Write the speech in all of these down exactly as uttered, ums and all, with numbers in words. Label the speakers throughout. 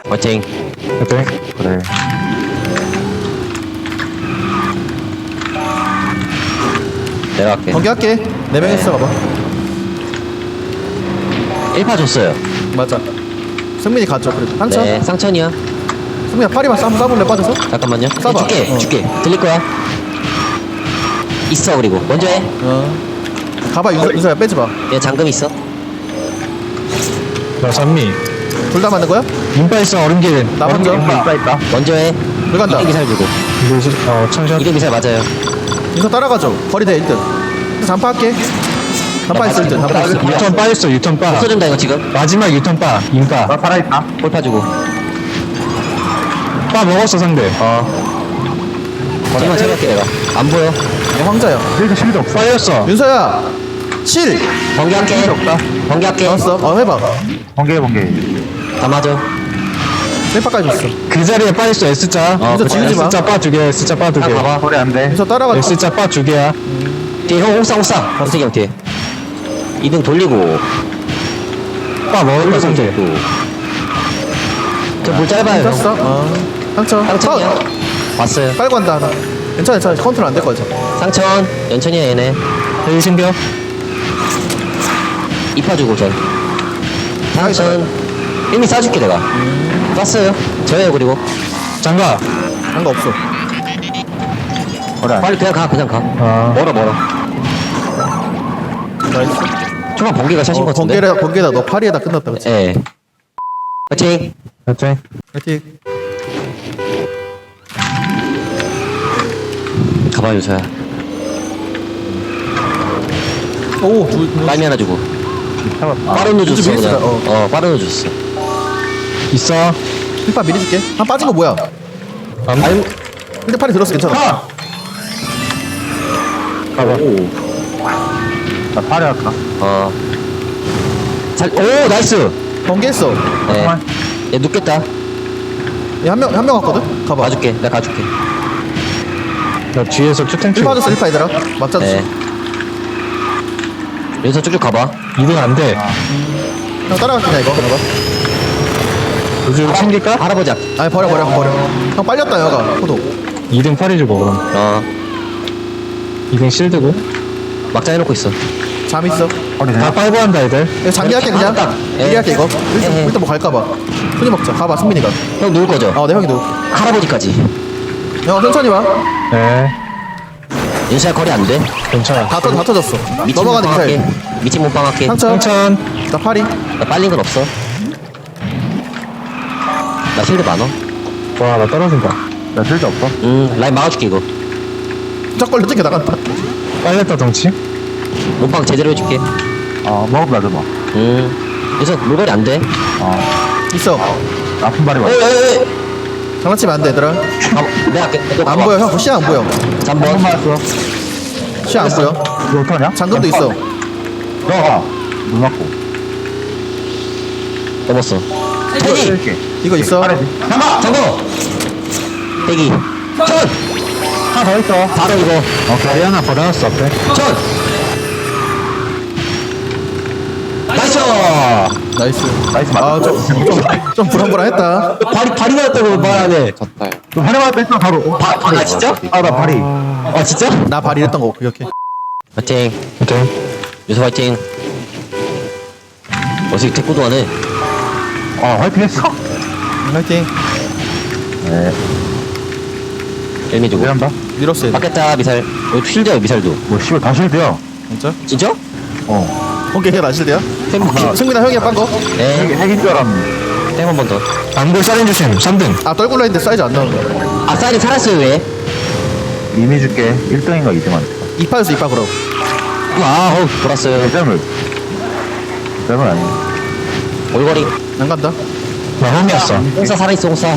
Speaker 1: 화이팅.
Speaker 2: 화이팅. 그래.
Speaker 1: 내려갈게.
Speaker 3: 경기할게. 네 명 있어, 봐봐.
Speaker 1: 일 파 줬어요.
Speaker 3: 맞아. 승민이 가죠, 그래도. 상처?
Speaker 1: 네, 상천이야.
Speaker 3: 승민아, 파리만 싸, 싸볼래, 빠져서?
Speaker 1: 잠깐만요.
Speaker 3: 쏴봐.
Speaker 1: 네, 줄게,
Speaker 3: 어.
Speaker 1: 줄게. 들릴 거야. 있어, 그리고. 먼저 해.
Speaker 3: 어. 가봐, 윤서, 윤서야, 빼지 마.
Speaker 1: 얘 잠금 있어.
Speaker 2: 나 선미.
Speaker 3: 둘 다 맞는 거야?
Speaker 2: 인파 있어, 얼음길.
Speaker 3: 나 먼저.
Speaker 2: 인파 있다.
Speaker 1: 먼저 해.
Speaker 3: 물 간다.
Speaker 1: 이등 기살 주고.
Speaker 2: 이거, 시- 어, 천샷.
Speaker 1: 이등 기살 맞아요.
Speaker 3: 윤서 따라가죠. 거리 대 일 등. 잔파할게. 잔파 있어, 일 등. 잔파 있어.
Speaker 2: 유턴 빠 있어, 유턴 빠.
Speaker 1: 없어진다, 이거 지금.
Speaker 2: 마지막 유턴 빠. 인파. 나 살아있다.
Speaker 1: 홀파 주고.
Speaker 2: 빠 먹었어, 상대.
Speaker 1: 어. 거리만 체크할게, 내가. 안 보여.
Speaker 3: 얘 황자야.
Speaker 2: 실드, 실드 없어. 빠졌어.
Speaker 3: 윤서야! 칠!
Speaker 1: 번개할게. 번개할게.
Speaker 3: 나왔어. 어, 해봐.
Speaker 2: 번개, 번개.
Speaker 1: 다 맞아.
Speaker 3: 일 파까지 줬어.
Speaker 2: 그 자리에 빠 있어, S자.
Speaker 1: 어,
Speaker 3: 윤서
Speaker 1: 그래.
Speaker 3: 지우지 마.
Speaker 2: S자 빠 두 개, S자 빠 두 개.
Speaker 1: 아, 봐봐.
Speaker 2: 소리 안 돼.
Speaker 3: 윤서 따라가.
Speaker 2: S자 빠 두 개야.
Speaker 1: 뒤에 형 옥상, 옥상. 권석이 형 뒤에. 이등 돌리고.
Speaker 2: 빠 먹었다, 상대.
Speaker 1: 저물 짧아요, 형.
Speaker 3: 떴어? 어. 상처.
Speaker 1: 상천이야. 왔어요.
Speaker 3: 빨고 간다, 하나. 괜찮아, 괜찮아. 컨트롤 안 될 거지.
Speaker 1: 상천. 연천이야, 얘네.
Speaker 2: 헬 신겨.
Speaker 1: 이파 주고 전. 상천. 이미 쏴줄게, 내가. 쐈어요. 저예요, 그리고.
Speaker 2: 장가.
Speaker 3: 한거 없어.
Speaker 1: 빨리 그냥 가, 그냥 가.
Speaker 2: 아.
Speaker 1: 멀어, 멀어.
Speaker 3: 나이스.
Speaker 1: 초반 번개가 샷인
Speaker 3: 어,
Speaker 1: 것 같은데?
Speaker 3: 번개에다, 번개에다 너 파리에다 끝났다, 그치?
Speaker 1: 예. 화이팅!
Speaker 2: 화이팅.
Speaker 3: 화이팅.
Speaker 1: 가봐, 요서야.
Speaker 3: 오, 두,
Speaker 1: 빨미 하나 주고.
Speaker 2: 잡았다.
Speaker 1: 빠른 우 줬어,
Speaker 3: 요즘
Speaker 1: 그냥.
Speaker 3: 밀었어, 어.
Speaker 1: 어, 빠른 우 줬어.
Speaker 2: 있어.
Speaker 3: 힐파 미리 줄게. 한 빠진 거 뭐야?
Speaker 2: 안
Speaker 1: 아유,
Speaker 3: 근데 팔이 들었어, 괜찮아.
Speaker 2: 가봐. 나 파리 할까?
Speaker 1: 어. 잘, 오, 나이스!
Speaker 3: 번개했어.
Speaker 1: 네. 얘 눕겠다.
Speaker 3: 얘 한 명, 한 명 왔거든? 가봐.
Speaker 1: 가줄게, 내가 가줄게.
Speaker 2: 나 뒤에서 투탱크.
Speaker 3: 힐파 줬어, 힐파 얘들아. 맞자 줬어.
Speaker 1: 네. 여기서 쭉쭉 가봐.
Speaker 2: 이등 안 돼.
Speaker 3: 형 따라갈게, 그냥 이거. 봐봐.
Speaker 2: 요즘 챙길까?
Speaker 1: 할아버지 앞.
Speaker 3: 아니, 버려, 버려, 버려. 형 빨렸다, 여가. 호도.
Speaker 2: 이등 팔이 주고 그럼.
Speaker 1: 어.
Speaker 2: 이등 실드고.
Speaker 1: 막장 해놓고 있어.
Speaker 3: 잠 있어.
Speaker 2: 다 빨고 한다 애들.
Speaker 3: 이거 장기할게, 그냥.
Speaker 1: 딱.
Speaker 3: 미리 할게, 이거. 일단,
Speaker 1: 예.
Speaker 3: 일단 뭐 갈까봐. 손이 먹자. 가봐, 승민이가.
Speaker 1: 형 누울 거죠?
Speaker 3: 어, 내 형이 누.
Speaker 1: 할아버지까지.
Speaker 3: 형, 천천히 와.
Speaker 2: 네.
Speaker 1: 윤수야 거리 안 돼.
Speaker 2: 괜찮아.
Speaker 3: 다, 터, 다 터졌어.
Speaker 1: 미친
Speaker 3: 넘어가는
Speaker 1: 몸빵 할게.
Speaker 3: 기사일.
Speaker 1: 미친 몸빵 할게.
Speaker 3: 상처.
Speaker 2: 천천.
Speaker 3: 나 파리.
Speaker 1: 나 빨린 건 없어. 나 실드 많어.
Speaker 2: 와, 나 떨어진다. 나 실드 없어?
Speaker 1: 음, 라인 막아줄게 이거.
Speaker 3: 짝 걸려 뜯겨 나간다.
Speaker 2: 빨렸다 덩치.
Speaker 1: 몸빵 제대로 해줄게.
Speaker 2: 어, 먹어봐, 좀 봐.
Speaker 1: 음. 윤수 물거리 안 돼.
Speaker 2: 어.
Speaker 3: 있어.
Speaker 2: 아픈 발이
Speaker 1: 에이, 에이, 에이.
Speaker 3: 장난치면 안 돼, 얘들아.
Speaker 1: 가봐. 내가 할게. 너
Speaker 3: 안
Speaker 1: 가봐.
Speaker 3: 보여, 형. 시야 안 보여.
Speaker 1: 잠번.
Speaker 2: 맞았어.
Speaker 3: 시야 안 보여.
Speaker 2: 이거 어떡하냐?
Speaker 3: 장금도 있어.
Speaker 2: 너가. 물 맞고.
Speaker 1: 넘었어. 대기.
Speaker 3: 이거 있어.
Speaker 1: 잠깐. 잠깐. 대기. 천.
Speaker 2: 하나 더 있어.
Speaker 1: 바로 이거.
Speaker 2: 어, 다리 하나 버려놨어, 앞에.
Speaker 1: 천. 나이스.
Speaker 3: 나이스.
Speaker 2: 나이스
Speaker 3: 아, 좀, 좀, 좀 불안불안했다.
Speaker 1: 발이 발이 나왔다고 말하네.
Speaker 2: 좀 하나만 뺐어, 바로.
Speaker 1: 바, 바, 아 진짜?
Speaker 2: 아, 나 발이.
Speaker 1: 아 진짜?
Speaker 3: 나 발이 했던 거 기억해.
Speaker 1: 화이팅.
Speaker 2: 오케이.
Speaker 1: 유서 화이팅. 어떻게 태권도 하네.
Speaker 2: 어, 화이팅 했어.
Speaker 3: 화이팅.
Speaker 2: 네.
Speaker 1: 일미 주고.
Speaker 2: 미안다.
Speaker 3: 밀었어, 얘들.
Speaker 1: 바뀌었다 미살. 여기 실드야 미살도.
Speaker 2: 뭐, 씨발, 다 실드야.
Speaker 3: 진짜?
Speaker 1: 진짜?
Speaker 2: 어.
Speaker 3: 번개가 나실대야?
Speaker 1: 템.
Speaker 3: 승민아 형이야, 빤 거?
Speaker 1: 네.
Speaker 2: 핵인 줄 알았는데.
Speaker 1: 템 한 번 더.
Speaker 2: 안골 살인 주심, 삼 등.
Speaker 3: 아, 떨굴라 했는데 사이즈 안 나오는 거야.
Speaker 1: 아 사이드 살았어요 왜?
Speaker 2: 이미 줄게. 일 등인가 이 등한테.
Speaker 3: 이파였어, 이파, 그럼.
Speaker 1: 아 어우 돌았어요.
Speaker 2: 일 점을. 일 점은 아니네.
Speaker 1: 올거리.
Speaker 3: 안 간다.
Speaker 2: 나 홈이었어.
Speaker 1: 홍사 살아있어 홍사.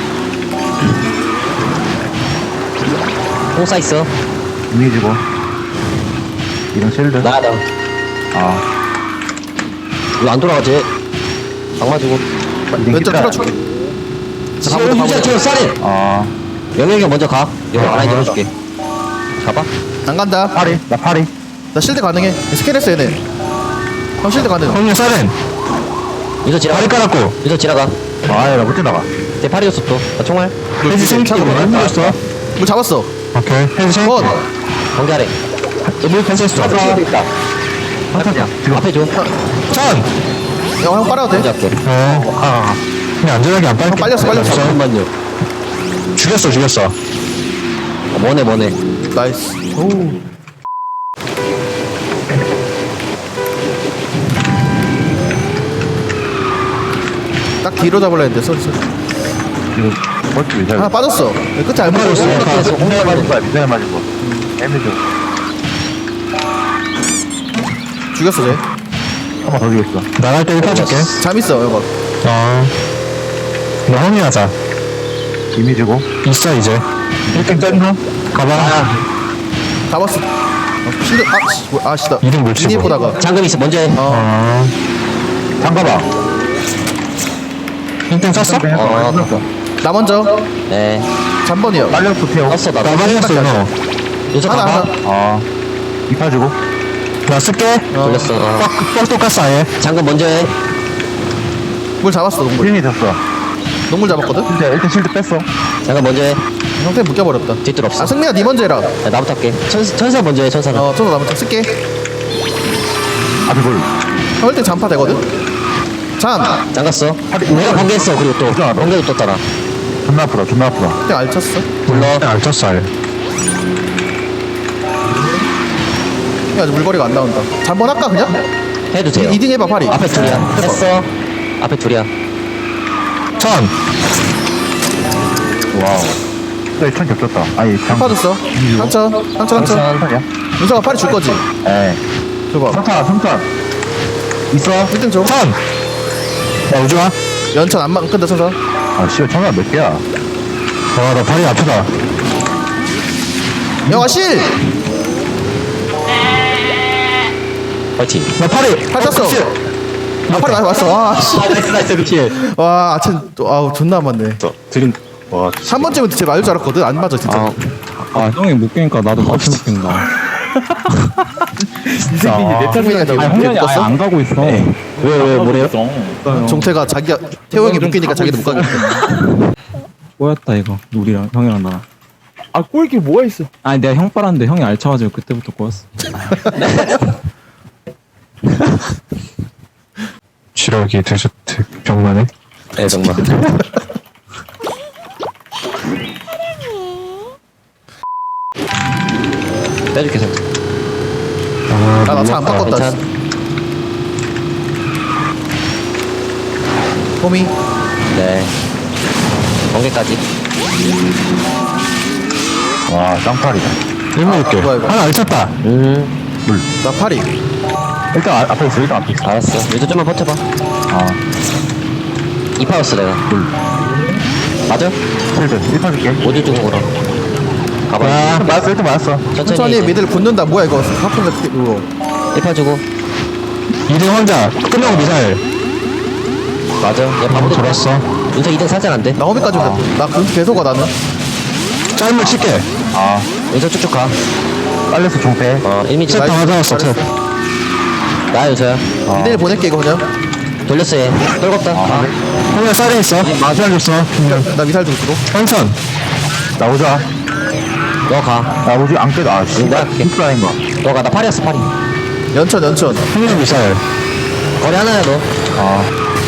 Speaker 1: 홍사 있어.
Speaker 2: 이미 주고. 이 등 실드.
Speaker 1: 나가다.
Speaker 2: 아.
Speaker 1: 이거 안 돌아가지? 방 맞고.
Speaker 3: 왼쪽 틀어줄게. 자, 가보자,
Speaker 1: 유자
Speaker 3: 가보자.
Speaker 1: 저 쌀이.
Speaker 2: 아.
Speaker 1: 영영이 먼저 가. 이거
Speaker 2: 아,
Speaker 1: 라인 열어줄게. 가봐.
Speaker 3: 안 간다.
Speaker 2: 파리. 나 파리.
Speaker 3: 나 실드 가능해. 스캔했어, 얘네. 형 실드 가능.
Speaker 2: 홈이 살인.
Speaker 1: 유서 지나가.
Speaker 2: 다리 깔았고.
Speaker 1: 유서 지나가.
Speaker 2: 아야 나못 지나가.
Speaker 1: 내 팔이었어 또. 나 총알.
Speaker 3: 해지 생기고
Speaker 2: 힘들었어.
Speaker 3: 물 잡았어.
Speaker 2: 오케이. 해지
Speaker 3: 컷.
Speaker 1: 경계하래.
Speaker 2: 물 캔슬했어.
Speaker 1: 앞에 있다.
Speaker 2: 한타냐.
Speaker 1: 지금 앞에 줘.
Speaker 2: 천.
Speaker 3: 야형 빨아도
Speaker 1: 먼저
Speaker 3: 돼?
Speaker 1: 할게.
Speaker 2: 어. 아. 그냥 안전하게 안 빨게.
Speaker 3: 형 빨렸어 빨렸어.
Speaker 1: 잠깐만요.
Speaker 2: 죽였어 죽였어.
Speaker 1: 어, 뭐네 뭐네.
Speaker 3: 나이스. 오. 딱 뒤로 잡으려 했는데 쏘리 쏘리.
Speaker 2: 이거 버티 미사일.
Speaker 3: 하나 빠졌어. 끝에 안
Speaker 2: 맞았어.
Speaker 3: 맞았어.
Speaker 2: 미사일 맞은 거야. 미사일 맞은 거. 애매죠.
Speaker 3: 죽였어 쟤.
Speaker 2: 한 번 더 죽였어. 나갈 때 일단 줄게.
Speaker 3: 잠 있어 이거.
Speaker 2: 어. 나 허미하자. 이미 주고. 있어 이제. 일 등 짠다. 가봐.
Speaker 3: 잡았어. 어, 실드 아씨 뭐, 아씨다.
Speaker 2: 이등 물 치고.
Speaker 3: 이님 보다가.
Speaker 1: 잠금 있어. 먼저 해.
Speaker 3: 어.
Speaker 2: 어. 잠가봐. 일 등 쳤어?
Speaker 1: 어.
Speaker 3: 나 먼저.
Speaker 1: 네.
Speaker 3: 잠번이요.
Speaker 2: 빨려서 태워.
Speaker 1: 떴어 나.
Speaker 2: 나 빨렸어 너.
Speaker 1: 요새
Speaker 3: 하나
Speaker 1: 가봐.
Speaker 3: 하나.
Speaker 2: 어. 이파 주고. 나 쓸게.
Speaker 1: 돌렸어. 어.
Speaker 2: 뻑 똑같어 아예.
Speaker 1: 잠금 먼저 해.
Speaker 3: 물 잡았어 농물.
Speaker 2: 힐이 됐어.
Speaker 3: 농물 잡았거든.
Speaker 2: 진짜 일 등 실드 뺐어.
Speaker 1: 잠금 먼저 해.
Speaker 3: 형태 묶여버렸다.
Speaker 1: 뒷뜰 없어.
Speaker 3: 아 승민아 니 먼저 해라.
Speaker 1: 야, 나부터 할게. 천, 천사 먼저 해. 천사는.
Speaker 3: 어 저도 나 먼저 쓸게.
Speaker 2: 앞에 볼.
Speaker 3: 할 때 잠파 되거든. 잠.
Speaker 1: 잠갔어. 내가 번개했어. 그리고 또
Speaker 2: 괜찮아.
Speaker 1: 번개도 떴잖아.
Speaker 2: 존나 아프다 존나 아프다.
Speaker 3: 그때 알쳤어.
Speaker 1: 불러.
Speaker 2: 안 쳤어 아예.
Speaker 3: 야 아직 물거리가 안 나온다. 잠번 할까 그냥?
Speaker 1: 해도 돼요.
Speaker 3: 이 등 해봐 팔이.
Speaker 1: 앞에 둘이야.
Speaker 3: 해봐.
Speaker 1: 했어. 앞에 둘이야.
Speaker 2: 천. 와우. 네, 천 겹쳤다. 아니, 장.
Speaker 3: 빠졌어. 한천. 한천 한천.
Speaker 2: 천이야?
Speaker 3: 윤서가 팔이 줄 거지.
Speaker 2: 에.
Speaker 3: 줘봐.
Speaker 2: 삼천, 삼천. 있어?
Speaker 3: 일 등 줘.
Speaker 2: 천. 야, 우주아.
Speaker 3: 연천 안만 끈다 쳐서.
Speaker 2: 아, 씨발, 천원 몇 개야? 와, 나 팔이 아프다.
Speaker 3: 영아 실.
Speaker 1: 파이팅.
Speaker 2: 나 팔이.
Speaker 3: 팔 땄어. 아 팔이 많이 왔어. 와 씨.
Speaker 1: 나이스 나이스 그치.
Speaker 3: 와 아침 또 아우 존나 맞네.
Speaker 1: 드림. 와.
Speaker 3: 한 번쯤은 진짜 맞을 줄 알았거든. 안 맞아 진짜.
Speaker 1: 아,
Speaker 4: 아 형이 못 깨니까 나도 같이 못 깬다.
Speaker 2: 이 새끼 내
Speaker 3: 승민이가
Speaker 4: 아니 홍현이 아예 안 가고 있어.
Speaker 1: 왜 왜 뭐래요?
Speaker 3: 종태가 자기가 태호 형이 묶이니까 자기도 못 가겠다.
Speaker 4: 꼬였다 이거 우리랑 형이랑 나랑.
Speaker 5: 아 꼬이길 뭐가 있어?
Speaker 4: 아니 내가 형 빨았는데 형이 알차가지고 그때부터 꼬였어.
Speaker 2: 지력이 데저트 병만에.
Speaker 1: 네 정말. 빼줄게 살짝.
Speaker 2: 아,
Speaker 3: 아 나 차 안 바꿨다.
Speaker 1: 괜찮.
Speaker 3: 호미.
Speaker 1: 네. 번개까지.
Speaker 2: 와, 쌍팔이다. 일곱
Speaker 3: 아, 뭐야, 이거.
Speaker 2: 하나 안 쳤다.
Speaker 1: 음.
Speaker 2: 물.
Speaker 3: 나 팔이.
Speaker 2: 일단 아- 앞에 있어, 일단 앞에 있어.
Speaker 1: 알았어. 요새 좀만 버텨봐.
Speaker 2: 아,
Speaker 1: 이파였어 내가.
Speaker 2: 물.
Speaker 1: 맞아?
Speaker 2: 실드. 일판 줄게.
Speaker 1: 어디 주고 그럼. 가봐.
Speaker 2: 아, 맞았어, 일단 맞았어.
Speaker 1: 천천히.
Speaker 3: 천천히
Speaker 1: 이제.
Speaker 3: 미들 붙는다. 뭐야 이거? 하품 같은 이거.
Speaker 1: 일파 주고.
Speaker 2: 이 등 혼자. 끝나고 미사일.
Speaker 1: 맞아. 얘 바보도
Speaker 2: 돌았어.
Speaker 1: 윤서 이 등 살짝 안 돼.
Speaker 3: 나 호미까지 온다. 나 금수 계속 와 나는.
Speaker 2: 짧은 칠게. 아,
Speaker 1: 윤서 쭉쭉 가.
Speaker 2: 빨려서 종패.
Speaker 1: 어, 일 미터.
Speaker 2: 다 맞았어, 탭.
Speaker 1: 나 윤서야.
Speaker 3: 미들 보낼게 이거 그냥.
Speaker 1: 돌렸어 얘. 떨궜다. 아.
Speaker 2: 형이 쌀에 있어. 마주알 줬어.
Speaker 3: 나 미사일 좀 주고.
Speaker 2: 천천. 나오자.
Speaker 1: 너 가.
Speaker 2: 나오지 안 깨도 아 씨.
Speaker 1: 내가 갈게.
Speaker 2: 힙라인 거.
Speaker 1: 너 가. 나 팔이었어 팔이.
Speaker 3: 연천 연천.
Speaker 2: 형님 미사일.
Speaker 1: 거리 하나야 너.
Speaker 2: 아.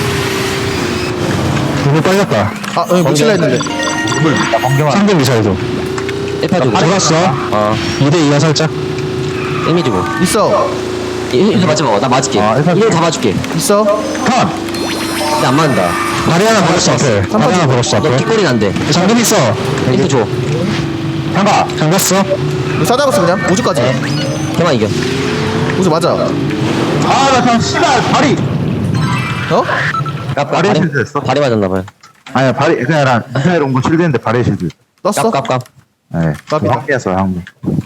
Speaker 2: 너무 빨렸다.
Speaker 3: 아 여기 묻힐라 했는데.
Speaker 2: 물. 나 번개만. 상대 미사일도.
Speaker 1: 일파 주고.
Speaker 2: 돌았어.
Speaker 1: 어.
Speaker 2: 이 대 이야 살짝.
Speaker 1: 일 미 주고.
Speaker 3: 있어.
Speaker 1: 일미 맞지 마. 나 맞을게.
Speaker 2: 아, 일파
Speaker 1: 일 다 맞을게.
Speaker 3: 있어.
Speaker 2: 컷.
Speaker 1: 근데 안 맞는다.
Speaker 2: 다리 하나 벌었어 앞에. 다리 하나 벌었어
Speaker 1: 너
Speaker 2: 앞에.
Speaker 1: 뒷골이 난데.
Speaker 2: 잠금 있어.
Speaker 1: 일 줘.
Speaker 2: 잠가. 잠갔어.
Speaker 3: 이거 싸잡았어 그냥. 우주까지.
Speaker 1: 네. 걔만 이겨.
Speaker 3: 우주 맞아.
Speaker 2: 아나 그냥 씨발 발이.
Speaker 3: 어?
Speaker 1: 까
Speaker 2: 발이 실드였어?
Speaker 1: 발이 맞았나봐요.
Speaker 2: 아니야 발이 그냥 난 미사일 온거 실드인데 발이 실드.
Speaker 3: 떴어?
Speaker 1: 깝깝깝.
Speaker 2: 네.
Speaker 3: 깝이다.
Speaker 2: 황피했어 황피.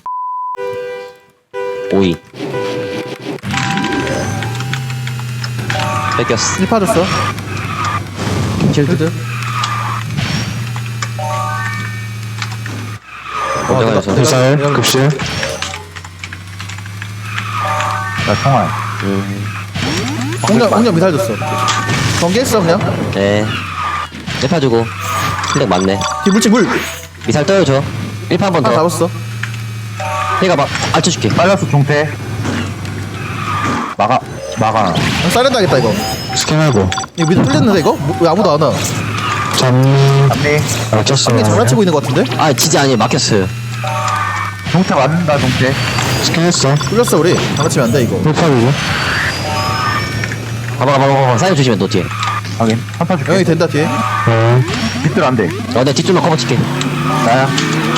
Speaker 1: 오이. 뺏겼어.
Speaker 3: 일 파줬어. 실드.
Speaker 1: 걱정하지 마.
Speaker 2: 미사일 급실. 나 총알.
Speaker 3: 공룡 공룡 미사일 줬어. 번개했어 그냥.
Speaker 1: 네. 일파 주고. 힐렉 맞네.
Speaker 3: 뒤 물질 물
Speaker 1: 미사일 떠요, 저. 일파 한 번
Speaker 3: 하나
Speaker 1: 더.
Speaker 3: 잡았어.
Speaker 1: 얘가 막, 알쳐줄게.
Speaker 2: 빨렸어 중태 막아 막아
Speaker 3: 아, 사이렌 당했다 이거.
Speaker 2: 스캔하고
Speaker 3: 이거 밑에 뚫렸는데 이거? 뭐, 왜 아무도 안 와?
Speaker 2: 잡니 잡니 알쳤어
Speaker 3: 이게 장난치고 있는 것 같은데?
Speaker 1: 아, 진짜 아니, 막혔어요.
Speaker 2: 중태 맞는다 중태 스캔했어
Speaker 3: 뚫렸어 우리. 장난치면 안 돼 이거.
Speaker 2: 일파리고
Speaker 1: 가봐, 가봐, 가봐. 사이드 조심해, 너 뒤에.
Speaker 2: 확인 한타 줄게
Speaker 3: 영이 된다 뒤에.
Speaker 2: 어 밑들 안돼
Speaker 1: 어, 내가 뒷줄만 커버 칠게.
Speaker 2: 나야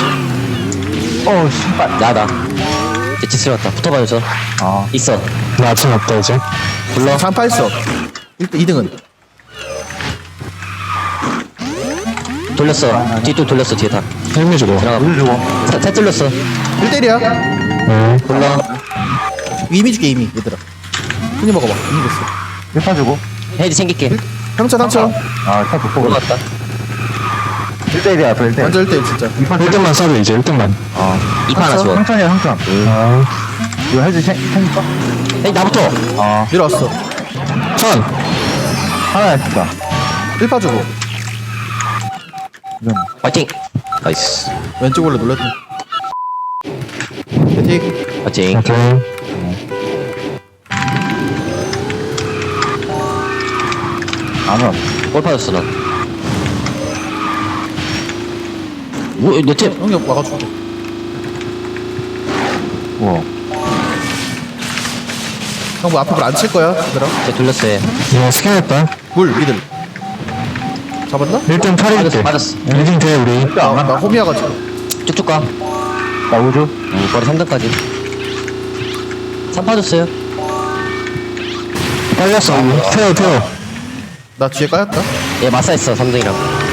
Speaker 2: 어 신발
Speaker 1: 나다. 이제 지스 왔다. 붙어봐요, 저.
Speaker 2: 아
Speaker 1: 있어.
Speaker 2: 나 아침 없다 이제
Speaker 1: 불러.
Speaker 3: 장파했어. 일단 이 등은.
Speaker 1: 돌렸어. 뒤쪽 돌렸어, 뒤에 다.
Speaker 2: 헬미 주고
Speaker 1: 들어가.
Speaker 2: 우주 주고
Speaker 1: 사, 사 뚫렸어.
Speaker 3: 일 대일이야.
Speaker 2: 네
Speaker 1: 불러.
Speaker 3: 이미 줄게 이미 얘들아. 흔히 먹어봐. 이미 됐어.
Speaker 2: 일파 주고
Speaker 1: 헤이드 챙길게.
Speaker 3: 상처 상처.
Speaker 2: 아 일파 좋고
Speaker 1: 올라갔다.
Speaker 2: 일 대 일이야 일 대
Speaker 3: 완전 일 대일 진짜.
Speaker 2: 일 등만 쏴도 이제 일 등만
Speaker 1: 어. 이파 하나 줘.
Speaker 2: 상천이야 상천 아 이거 헬지 챙길까?
Speaker 1: 헤이, 나부터.
Speaker 2: 아
Speaker 3: 밀어왔어.
Speaker 2: 천 하나 했다
Speaker 3: 일파 주고.
Speaker 1: 화이팅. 나이스.
Speaker 3: 왼쪽 원래 놀랬다. 패틱.
Speaker 1: 화이팅.
Speaker 2: 오케이 안 와.
Speaker 1: 골 빠졌어, 난. 뭐, 내 팀.
Speaker 3: 형이 와가지고.
Speaker 2: 우와
Speaker 3: 형 뭐 앞에 불 안 칠 거야 얘들아.
Speaker 1: 제 돌렸어요.
Speaker 2: 이거 스캔했다
Speaker 3: 물 미들. 잡았나?
Speaker 2: 일 등 팔
Speaker 1: 맞았어,
Speaker 2: 일
Speaker 1: 맞았어.
Speaker 2: 등 일 등 돼 우리
Speaker 3: 나, 나 홈이어가지고.
Speaker 1: 쭉쭉 가.
Speaker 2: 나 우주
Speaker 1: 음, 거리 삼 등까지. 삼 파줬어요.
Speaker 2: 빨렸어 태워 태워
Speaker 3: 나 뒤에 까였다.
Speaker 1: 얘 마사했어, 삼 등이랑.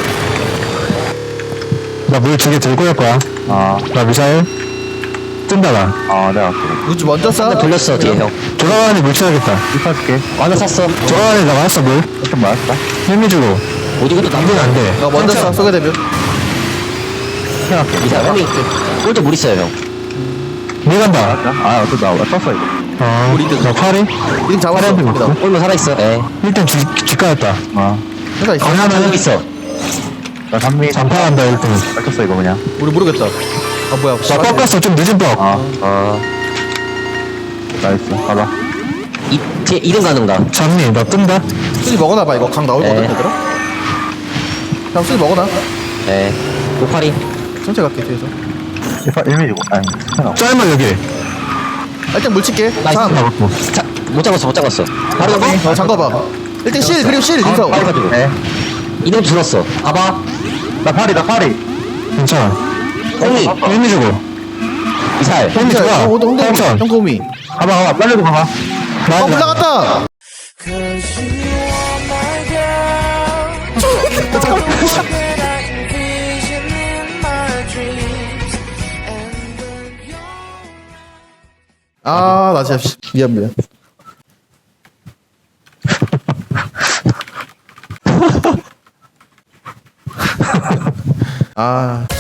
Speaker 2: 나 물 두 개 들고 갈 거야 아나 미사일 뜬다 나아 내가
Speaker 3: 우주 먼저 쏴.
Speaker 1: 돌렸어, 뒤에 형.
Speaker 2: 돌아가니 물 쳐야겠다 일파 줄게
Speaker 1: 하나 샀어.
Speaker 2: 돌아가니 나 맞았어 물좀 맞았다 헬미 주고
Speaker 1: 어디 것도
Speaker 2: 남기면
Speaker 1: 남기면
Speaker 2: 안돼
Speaker 3: 나 먼저 쏴 쏘게 되면.
Speaker 1: 이사 형이 골드 물 있어요, 형.
Speaker 2: 물 간다 아 어쩌 나 떴어 이거 어
Speaker 3: 우리 등.
Speaker 2: 나 팔이
Speaker 3: 이등 잡았어.
Speaker 2: 파란색
Speaker 3: 여기다.
Speaker 2: 먹고?
Speaker 1: 골만 살아있어. 예.
Speaker 2: 일 등 뒷, 뒷가였다 아
Speaker 3: 회사 있어.
Speaker 1: 하나 더 여기 있어.
Speaker 2: 나 삼미 잔파한다 일 등 뺏겼어 이거 그냥
Speaker 3: 우리 모르겠다. 아 뭐야.
Speaker 2: 나 꺾었어 좀 늦은 뻑 아,
Speaker 1: 어.
Speaker 2: 나이스 가봐
Speaker 1: 이, 뒤에 이 등 가는가?
Speaker 2: 잡니 나 뜬다
Speaker 3: 수지 먹어놔봐 이거 강 나올거든
Speaker 1: 네.
Speaker 3: 얘들아. 형 수지 먹어놔.
Speaker 1: 예. 오파리.
Speaker 3: 천천히 갈게 뒤에서.
Speaker 2: 일파 일미 주고 아니 짧아 여기
Speaker 3: 아, 일단 물 칠게.
Speaker 1: 나이스.
Speaker 3: 참.
Speaker 2: 잡았고
Speaker 1: 자, 못 잡았어, 못 잡았어. 바로 잡아?
Speaker 3: 어 잠가봐. 일단 실 그리고 실 인서.
Speaker 1: 빨리 가지고.
Speaker 2: 네.
Speaker 1: 이 등 줄었어. 봐봐.
Speaker 2: 나 팔이 나 팔이 괜찮아
Speaker 1: 형이.
Speaker 2: 일미 주고
Speaker 1: 미사일.
Speaker 2: 일미
Speaker 3: 형
Speaker 2: 좋아
Speaker 3: 홍대 홍대
Speaker 2: 삼천
Speaker 3: 형 고미.
Speaker 2: 가봐 가봐 빨리도 가봐 나
Speaker 3: 어 올라갔다. 아, 나 진짜 씨, 미안 미안. 아.